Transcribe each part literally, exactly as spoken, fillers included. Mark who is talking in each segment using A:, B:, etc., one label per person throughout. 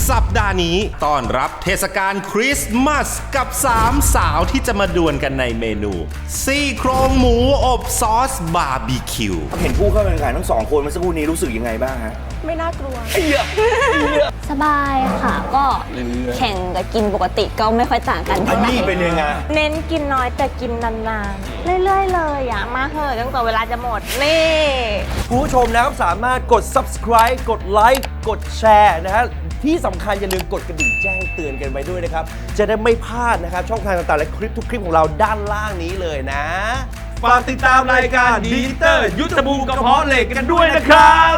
A: สัปดาห์นี้ต้อนรับเทศกาลคริสต์มาสกับสามสาวที่จะมาดวลกันในเมนูซี่โครงหมูอบซอสบาร์บีคิว
B: เห็นผู้เข้าแข่งขันทั้งสองคนเมื่อสักครู่นี้รู้สึกยังไงบ้างฮะ
C: ไม่น่ากลัว
D: สบายค่ะก็แข่งกับกินปกติก็ไม่ค่อยต่างกัน
B: อันนี้เป็นยังไง
C: เน้นกินน้อยแต่กินนานๆเรื่อยๆเลยอ่ะมาเหอะตั้งแต่เวลาจะหมดนี่
B: ผู้ชมนะครับสามารถกด ซับสไครบ์ กดไลค์กดแชร์นะฮะที่สำคัญอย่าลืมกดกระดิ่งแจ้งเตือนกันไว้ด้วยนะครับจะได้ไม่พลาดนะครับช่องทางต่างๆและคลิปทุกคลิปของเราด้านล่างนี้เลยนะฝากติดตามรายการดีเตอร์ยุทธภูมิกระเพาะเหล็กกันด้วยนะครับ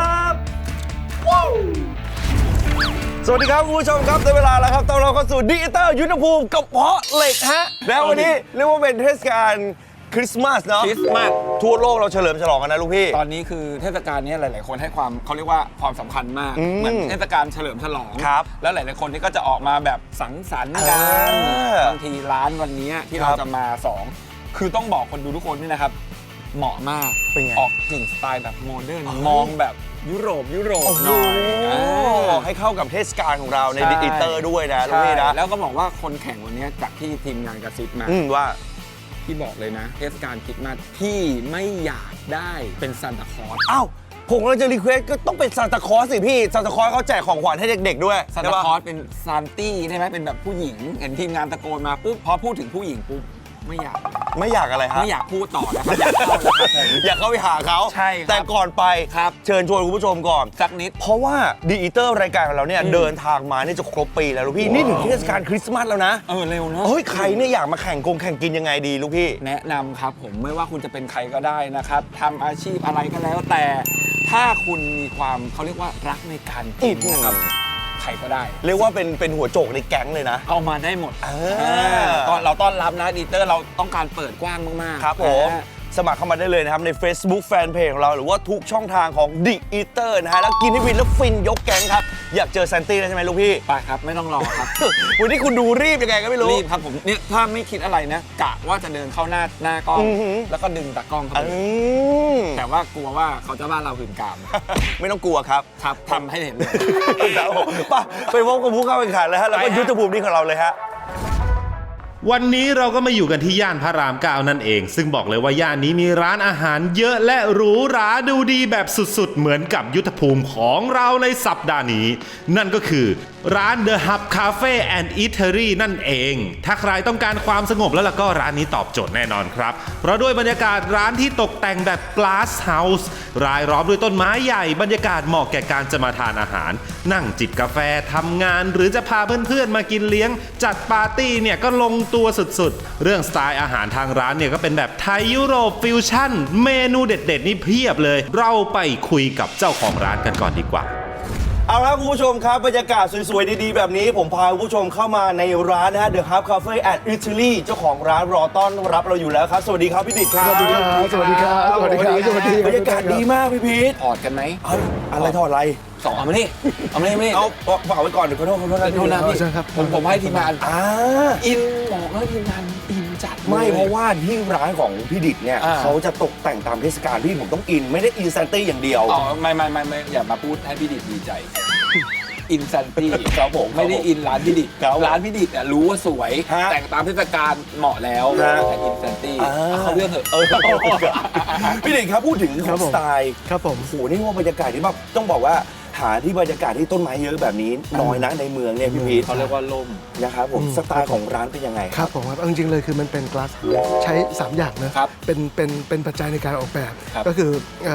B: สวัสดีครับคุณผู้ชมครับได้เวลาแล้วครับตอนเราเข้าสู่ดีเตอร์ยุทธภูมิกระเพาะเหล็กฮะแล้ววันนี้เรียกว่าเป็นเทศกาลคริสต์มาสเนาะ
E: คริสต์มาส
B: ทั่วโลกเราเฉลิมฉลองกันนะลูกพี่
E: ตอนนี้คือเทศกาลนี้หลายๆคนให้ความเขาเรียกว่าความสำคัญมากเหมือนเทศกาลเฉลิมฉลองแล้วหลายๆคนที่ก็จะออกมาแบบสังสรรค์กันบางทีร้านวันนี้ที่เราจะมาสองคือต้องบอกคนดูทุกคนนี่นะครับเหมาะมากออกกึ่งสไตล์แบบโมเดิร์นมองแบบยุโรปยุโรปหน่อย
B: ออกให้เข้ากับเทศกาลของเราในดีเตอร์ด้วยนะลูกพี่นะ
E: แล้วก็บอกว่าคนแข่งวันนี้จากที่ทีมงานกระซิบมา
B: ว่า
E: พี่บอกเลยนะเทศกาลคริสต์มาสพี่ไม่อยากได้เป็นซานตาคลอส
B: อ้าวผมเราจะรีเควสก็ต้องเป็นซานตาคลอสสิพี่ซานตาคลอสเขาแจกของขวัญให้เด็กๆด้วย
E: ซานตาคลอสเป็นซานตี้ใช่ไหมเป็นแบบผู้หญิงเห็นทีมงานตะโกนมาปุ๊บพอพูดถึงผู้หญิงปุ๊บไม่อยาก
B: ไม่อยากอะไรครับ
E: ไม่อยากพูดต่อแล้วอยากเข้า
B: อยากเข้าไปหาเขา
E: ใช่
B: แต่ก่อนไป
E: ครับ
B: เชิญชวนคุณผู้ชมก่อน
E: สักนิด
B: เพราะว่าดีอีเตอร์รายการของเราเนี่ยเดินทางมาเนี่ยจะครบปีแล้วลูกพี่นี่ถึงเทศกาลคริสต์มาสแล้วนะ
E: เออเร็วเนอะ
B: เฮ้ยใครเนี่ยอยากมาแข่งกงแข่งกินยังไงดีลูกพี่
E: แนะนำครับผมไม่ว่าคุณจะเป็นใครก็ได้นะครับทำอาชีพอะไรก็แล้วแต่ถ้าคุณมีความเขาเรียกว่ารักในการกินนะครับใครก็ได้
B: เรียกว่าเป็นเป็นหัวโจกในแก๊งเลยนะ
E: เอามาได้หมดก็เราต้อนรับนะดีเตอร์เราต้องการเปิดกว้างมาก
B: ๆครับผมสมัครเข้ามาได้เลยนะครับใน Facebook Fanpage ของเราหรือว่าทุกช่องทางของ The Eater นะฮะแล้วกินให้วินแล้วฟินยกแก๊งครับอยากเจอแซนตี้แล้วใช่ไหมลูกพี่
E: ไปครับไม่ต้องรอครับ
B: วันนี้คุณดูรีบยังไงก็ไม่รู้
E: รีบครับผมเนี่ยถ้าไม่คิดอะไรนะกะว่าจะเดินเข้าหน้าหน้ากล้องแล้วก็ดึงตากล้องเข้าไปแต่ว่ากลัวว่าเขาจะว่าเราหื่นกาม
B: ไม่ต้องกลัวครับ
E: ครับทำให้เห็นเลย
B: ครับผมไปพบกับผู้เข้าแข่งขันเลยฮะแล้วก็ยุทธภูมินี้ของเราเลยฮะ
A: วันนี้เราก็มาอยู่กันที่ย่านพระรามเก้านั่นเองซึ่งบอกเลยว่าย่านนี้มีร้านอาหารเยอะและหรูหราดูดีแบบสุดๆเหมือนกับยุทธภูมิของเราในสัปดาห์นี้นั่นก็คือร้าน The Hub Cafe and Eatery นั่นเองถ้าใครต้องการความสงบแล้วล่ะก็ร้านนี้ตอบโจทย์แน่นอนครับเพราะด้วยบรรยากาศร้านที่ตกแต่งแบบ Glass House รายล้อมด้วยต้นไม้ใหญ่บรรยากาศเหมาะแก่การจะมาทานอาหารนั่งจิบกาแฟทำงานหรือจะพาเพื่อนๆมากินเลี้ยงจัดปาร์ตี้เนี่ยก็ลงตัวสุดๆเรื่องสไตล์อาหารทางร้านเนี่ยก็เป็นแบบไทยยุโรปฟิวชั่นเมนูเด็ดๆนี่เพียบเลยเราไปคุยกับเจ้าของร้านกันก่อนดีกว่า
B: เอาละคุณผู้ชมครับบรรยากาศสวยๆดีๆแบบนี้ผมพาคุณผู้ชมเข้ามาในร้านนะฮะ The Hub Cafe and Eatery เจ้าของร้านรอต้อนรับเราอยู่แล้วครับสวัสดีครับพี่ดิษฐ์ครับ
F: สวัสดีครับสวัสดีครับสวัสดีครับสวัสดี
B: บรรยากาศดีมากพี่พีท
E: ถอดกันไหม
B: อะไรถอดอะไร
E: สองเอามานี่เอามานี่ไม่
B: เอาฝากไว้ก่อนเดี๋ยวขอโทษขอโทษนะ
E: พี่นะพี่ผมผมให้ทีมงาน
B: อ่า
E: อินบอกแล้วทีมงานอินจัด
B: ไม่เพราะว่าที่ร้านของพี่ดิษฐ์เนี่ยเขาจะตกแต่งตามเทศกาลพี่ผมต้องอินไม่ได้อินแซนตี้อย่างเดียว
E: อ๋อไม่ไม่ไม่ไม่อย่ามาพูดให้พี่ดิษฐ์ดีใจอินซันตี้ครับผมไม่ได้อินร้านพี่ดิษฐ์ร้านพี่ดิษฐ์เนี่ยรู้ว่าสวยแต่งตามเทศกาลเหมาะแล้วแต่อินซันตี้เขาเรื่องเถอะ
B: พี่ดิษฐ์ครับพูดถึงของสไตล์
F: ครับผม
B: โหนี่ว่าบรรยากาศที่แบบต้องบอกว่าหาที่บรรยากาศที่ต้นไม้เยอะแบบนี้น้อยนะในเมืองเนี่ยพี่พีท
E: เขาเรียกว่าล่ม
B: นะครับผมสไตล์ของร้านเป็นยังไง
F: ครับผมครับจริงๆเลยคือมันเป็น glass ใช้สามอย่างนะเป็นเป็นเป็นปัจจัยในการออกแบบก็คือ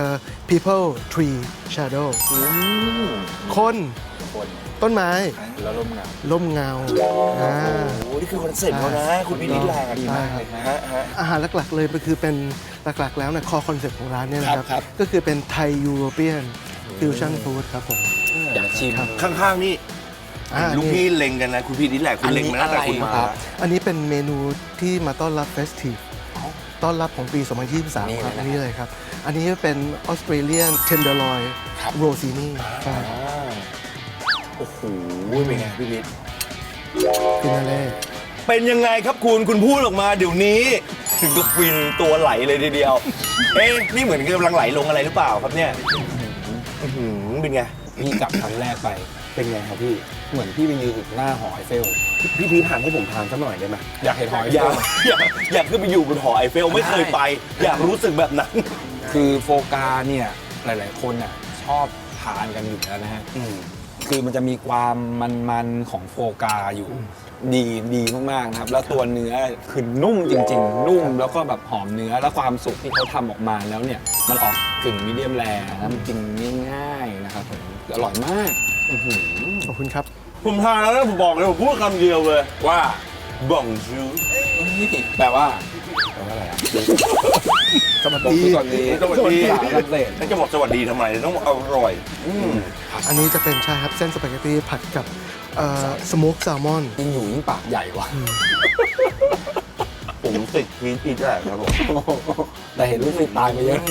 F: people tree shadow คนต้นไม้
E: แล้วร่มเงา
F: ร่มเงา
B: โอ้โหนี่คือคอนเซ็ปต์เขานะคุณพี่นิดแหละ
E: ดีมากเลยนะ
F: อาหารหลักๆเลยมันคือเป็นหลักๆแล้วเนี่ยคอคอนเซ็ปต์ของร้านเนี่ยนะครับก็คือเป็นไทยยูโรเปียนฟิวชั่นฟู้ดครับผม
E: อยากชิม
B: ข้างๆนี่ลูกพี่เล็งกันนะคุณพี่นิดแหละคุณเล็งมาตั้งแต่คุณมา
F: อันนี้เป็นเมนูที่มาต้อนรับเฟสทีฟต้อนรับของปีสองพันยี่สิบสามครับอันนี้เลยครับอันนี้เป็นออสเตรเลียนเทนเดอร์ลอยโรซินี่
B: โอ้โหเป็นไงพี่พิษ
F: ฟินาเล่
B: เป็นยังไงครับคุณคุณพูดออกมาเดี๋ยวนี้ถึงกับฟินตัวไหลเลยทีเดียวเอ๊ะนี่เหมือนกำลังไหลลงอะไรหรือเปล่าครับเนี่ยเป็นไง
E: พี่กลับครั้งแรกไป
B: เป็นไงครับพี่
E: เหมือนพี่ไปยืนอยู่หน้าหอไอเฟล
B: พี่พีทหันให้ผมทานสักหน่อยได้ไหม
E: อยากเห็นหอไอ
B: อ
E: เฟ
B: ยาก
E: ล
B: อยากอยากขึ้นไปอยู่บนหอไอเฟลไม่เคยไป อยากรู้สึกแบบนั้น
E: คือโฟกาเนี่ยหลาย ๆ คนน่ะชอบทานกันอยู่แล้วนะฮะ
B: อืม
E: คือมันจะมีความมันๆของโฟกาอยู่ ดีดีมากๆนะครับ แล้วตัวเนื้อคือนุ่มจริง ๆ นุ่มแล้วก็แบบหอมเนื้อแล้วความสุกที่เขาทำออกมาแล้วเนี่ยมันออกกึ่งมีเดียมแรร์นะมันกินง่ายๆนะครับผมอร่อยมาก
F: ขอบคุณครับ
B: ผมทานแล้วนะผมบอกเลยผมพูดคำเดียวเลย
E: ว่า
B: บ่องจู
E: แปลว่าแปลว่าอะไรอ่ะ
F: สวัส
E: บอก
F: ดี
E: คือก่อนดี
B: สวัสดี
E: ภาษาฝรั่งเศส
B: แล้วจะบอกสวัสดีทำไมต้องอร่อย
F: อันนี้จะเป็นใช่ครับเส้นสปาเกตตี้ผัดกับสโมกแซลมอน
E: ยิ่งอยู่ยิ่งปากใหญ่ว่ะ
B: ผมติดพีทอีกแล้วครับผม
E: แต่เห็นลูกศิษย์ตายไปเยอะ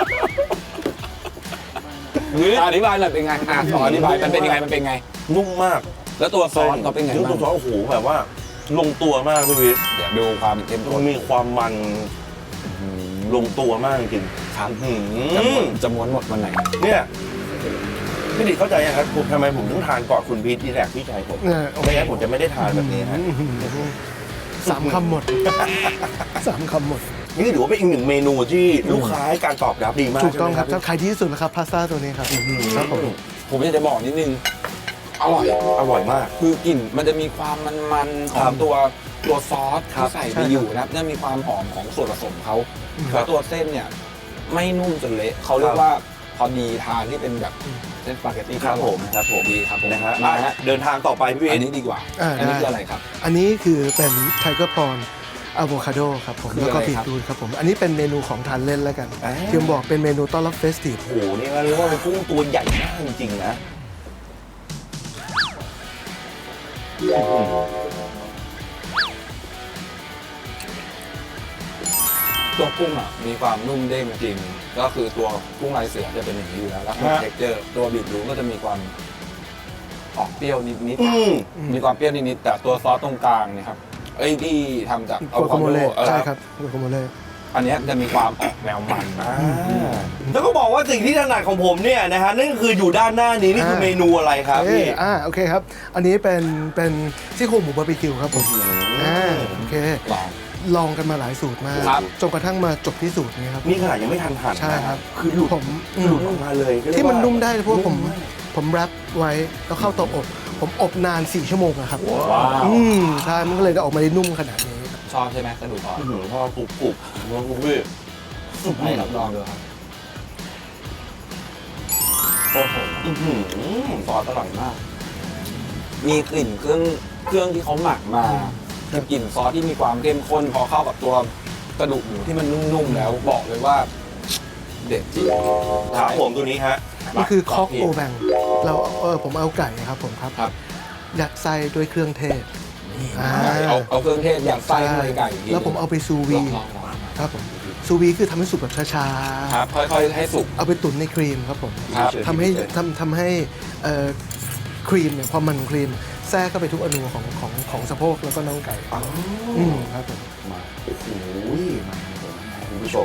E: อธิบายหน่อยเป็นไงอ่ะขออธิบายมันเป็นยังไงมันเป็นไง
B: นุ่มมาก
E: แล้วตัวซอสเขาเป็นไง
B: นุ่ม
E: บ้าง
B: ตัวซอสโอ้โหแบบว่า ลงตัวมากพี่พีท
E: เดี๋ยวดูความเข้มข้
B: มัน
E: น
B: มีความมันลงตัวมากจริง
E: ครับ
B: อื
E: จะม้วน
B: ม
E: จะม้วนหมดวันไหน
B: เนี่ยพี่ดิเข้าใจยังครับผมทำไมผมต้องทานก่อนคุณพีทที่แรกพี่ชายผม
F: เนี่ยโอเค
B: ไม่งั้นผมจะไม่ได้ทานแบบนี้ฮะ
F: สามคำหมด สามคำหมด
B: นี่ถือว่าเป็นอีกหนึ่งเมนูที่ลูกค้าให้การตอบรับดีมาก
F: ถูกต้องครับ
B: ใช่ไหม
F: ขายดีที่สุดนะครับพาสต้าตัวนี้ครับครับผม
E: ผมอยากจะบอกนิดนึง อร่อย
B: อร่อยมาก
E: คือกลิ่นมันจะมีความมันๆข
B: ค
E: อ
B: รั
E: ง
B: บ
E: ตัวตัวซอส
B: ครั
E: ที่
B: บ
E: ใส่
F: ใช่
E: ไป
F: ครับ
E: อยู่นะครับจะมีความหอมของส่วนผสมเขา
B: ครั
E: แล้
B: บ
E: วตัวเส้นเนี่ยไม่นุ่มจนเละเขาเรีย
B: ครั
E: ก
B: บ
E: ว่าพอดีทานที่เป็นแบบเส้นสปาเกตตี้
B: ครับผมครับผม
E: ดีครับผม
B: นะฮะ
E: มาฮะ
B: เดินทางต่อไปพี่
E: อัน
B: พี
E: นี้
B: ท
E: ดีกว่า
F: อ่า
E: อันนี้
F: ได้
E: คืออะไรครับ
F: อันนี้คือเป็นไทเกอร์พรอนอะโวคาโดครับผม
E: คือ
F: แล้วก็
E: อะไร
F: บี
E: ครับ
F: ทรูทครับผม อันนี้เป็นเมนูของทานเล่นแล้วกัน
B: อ่า
F: ที่ผมบอกเป็นเมนูต้อนรับเฟสติฟ
B: โอ้โหนี่มันเรียกว่าเป็นกุ้งตัวใหญ่มากจริงๆนะ
E: ตัวกุ้งอ่ะมีความนุ่มเด้งจริง ก็คือตัวกุ้งลายเสือจะเป็นอย่างนี้อยู่แล้วแล้ว
B: ฮะ
E: เท็กเจอร์ตัวบีทรูทก็จะมีความออกเปรี้ยวนิด
B: อืม
E: ๆมีความเปรี้ยวนิดๆแต่ตัวซอสตรงกลางเนี่ยครับไอ้ที่ทำจาก
F: โกโคโมเล่
E: เออ
F: ใช่ครับโกโคโมเล่
E: อันเนี้ยจะมีความออกแนวมันนะ
B: แล้วก็บอกว่าสิ่งที่ถนัดของผมเนี่ยนะฮะนั่นก็คืออยู่ด้านหน้านี้นี่คือเมนูอะไรครับ
F: เอ้
B: พี่
F: ยอ่าโอเคครับ อันนี้เป็นเป็นซี่โครงหมูบาร์บีคิวครับผมอ่าโอเค
E: ลอง
F: ลองกันมาหลายสูตรมาก
E: ครับ
F: จนกระทั่งมาจบที่สูตรนี้ครับ
B: นี่ขนาดยังไม่ทันหั่น
F: ใช่ครับ
B: คือหลุด
F: ผมอื
B: หลุ
F: ม
B: ดออกมาเลยก็เรียก
F: ที่มัน
B: ว่า
F: นุ่มได้เพราะว่าผมผมแรปไว้แล้วเข้าเตาอบ ผมอบนานสี่ชั่วโมงอะครับ
E: ว้าว
F: อืมใช่มันก็เลยได้ออกมาได้นุ่มขนาดนี้
E: ชอบใช่ไหมกระดูกอ่อน
B: อื้อหือพอกรุบกรุบๆมันกรุบพี่
E: ให้รับรองดูครับ
B: โอ้โหอื้อหือ
E: ซอสอร่อยมาก มีกลิ่นเครื่องเครื่องที่เขาหมักมา
F: ครับ
E: กลิ่นซอสที่มีความเข้มข้นพอเข้ากับตัวกระดูกหมูที่มันนุ่มๆแล้วบอกเลยว่า เด็ดจริง
B: ครับผมตัวนี้ฮะ
F: นี่คือคอก
E: พี่
F: โอแบงเราเออผมเอาไก่ครับผมครับ
E: ครับ
F: ยัดไส้ด้วยเครื่องเทศอ่า
E: เอาเอาเครื่องเทศอย่างไส้ข้างในไก่อีกที
F: แล้วผมเอาไปซู
E: ล
F: วี
E: องลองลอง
F: ครับผมซูวีคือทำให้สุกแบบช้า
E: ครับค่อยๆให้สุก
F: ๆ เอาไปตุ๋นในครีมครับผม
E: ครับ
F: ทำให้ทำทำให้เอ่อครีมเนี่ยความมันของครีมแทรกเข้าไปทุกอนูของของของสะโพกแล้วก็น่องไก่อืมครับผม
E: มา
B: โอ้โหมาคุณผู้ชม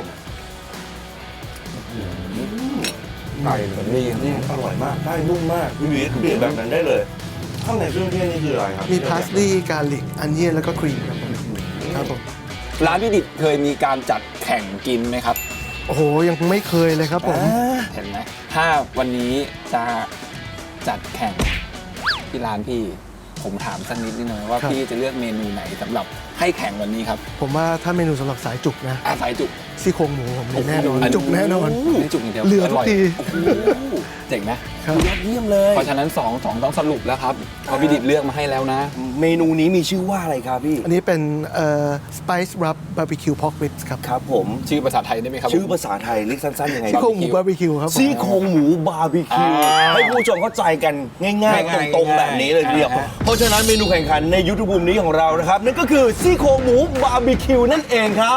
E: ไก่แบบนี้นี่
B: อร่อยมากได้นุ่มมากพี่วิทย์เปลี่ยนแบบนั้นได้เลยข้างในเครื่องเทศนี่คืออะไรครับ
F: มีพาสลีย์การลิกอันเนียนแล้วก็ครีมครับผมครับผม
E: ร้านพี่ดิดเคยมีการจัดแข่งกินไหมครับ
F: โอ้โหยังไม่เคยเลยครับผม
E: เห็นไหมถ้าวันนี้จะจัดแข่งที่ร้านพี่ ผมถามสักนิดนึงนะว่า
F: ครับ
E: พี่จะเลือกเมนูไหนสำหรับให้แข่งวันนี้ครับ
F: ผมว่าถ้าเมนูสำหรับสายจุกนะ
E: อาศัยจุก
F: ซี่โครงหมูผมเนี่ยแน่นอนจุกแน่นอน
E: นี่จุกอย่างเดียว
F: เหลือทุกที
E: โอ้โหเจ๋งไหม
F: ครับ
B: ยอดเยี่ยมเลย
E: เพราะฉะนั้นสองสองต้องสรุปแล้วครับเพราะพี่ดิดเลือกมาให้แล้วนะ
B: เมนูนี้มีชื่อว่าอะไรครับพี่
F: อันนี้เป็นเอ่อ spice rub barbecue pork ribs ครับ
B: ครับผม
E: ชื่อภาษาไทยได้ไหมครับ
B: ชื่อภาษาไทยเรียกสั้นๆยังไง
F: ซี่โครงหมูบาร์บีคิวครับผม
B: ซี่โครงหมูบาร์บีคิว
E: อ่า
B: ให้ผู้ชมเข้าใจกันง่าย
E: ง่าย
B: ๆ
E: ๆ
B: ตรงๆ แบบนี้เลยทีเดียว
E: อ่าฮะ
B: เพราะฉะนั้นเมนูแข่งขันในยุทธภูมินี้ของเรานะครับ นั่นก็คือซี่โครงหมูบาร์บีคิวนั่นเองครับ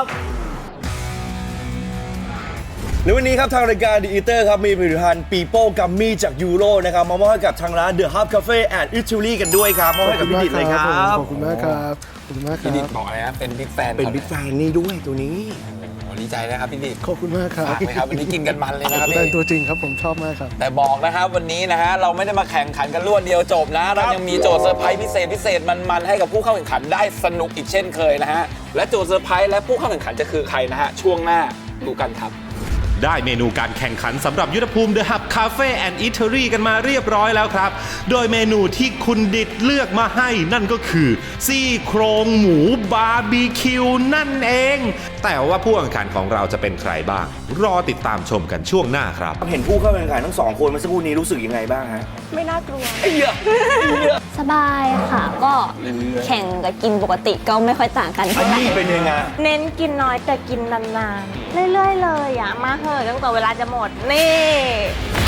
B: ในวันนี้ครับทางรายการ The Eater ครับมีผลิตภัณฑ์ปีโป้กัมมี่จากยูโรนะครับมามอบให้กับทางร้าน The Hub Cafe and Italy กันด้วยครับมอบให้กับพี่ดิดเลยครับ
F: ขอบคุณมากครับ ขอบคุณมากครั
E: พี่ดิด
F: บ
E: บอกอะไรนะเป็นบิ๊กแฟน
B: เป็นบิ๊กแฟนนี่ด้วยตัวนี้
E: เดีใจนะครับพี่ดิษฐ์
F: ขอบคุณมากครับ
E: ฝากไหมครับวันนี้กินกันมันเลยนะครับ
F: เป็น
E: พี่
F: ตัวจริงครับผมชอบมากครับ
E: แต่บอกนะครับวันนี้นะฮะเราไม่ได้มาแข่งขันกันรวดเดียวจบนะ เรายังมีโจทย์เซอร์ไพรส์พิเศษพิเศษมันๆให้กับผู้เข้าแข่งขันได้สนุกอีกเช่นเคยนะฮะและโจทย์เซอร์ไพรส์และผู้เข้าแข่งขันจะคือใครนะฮะช่วงหน้าดูกันครับ
A: ได้เมนูการแข่งขันสำหรับยุทธภูมิ The Hub Cafe and Eatery กันมาเรียบร้อยแล้วครับ โดยเมนูที่คุณดิดเลือกมาให้นั่นก็คือซี่โครงหมูบาร์บีคิวนั่นเอง แต่ว่าผู้แข่งขันของเราจะเป็นใครบ้าง รอติดตามชมกันช่วงหน้าครับ
B: เห็นผู้เข้าแข่งขันทั้งสองคนเมื่อสักครู่นี้รู้สึกยังไงบ้างฮะ
C: ไม่น่ากลัว
D: สบายค่ะ ก็แข่งกับกินปกติก็ไม่ค่อยต่างกัน
B: อั
D: เท่าน ไหร่
B: นี้เป็นยังไง
C: เน้นกินน้อยแต่กินนานๆ เรื่อยๆเลยอ่ะ มาเหอะตั้งแต่เวลาจะหมด นี่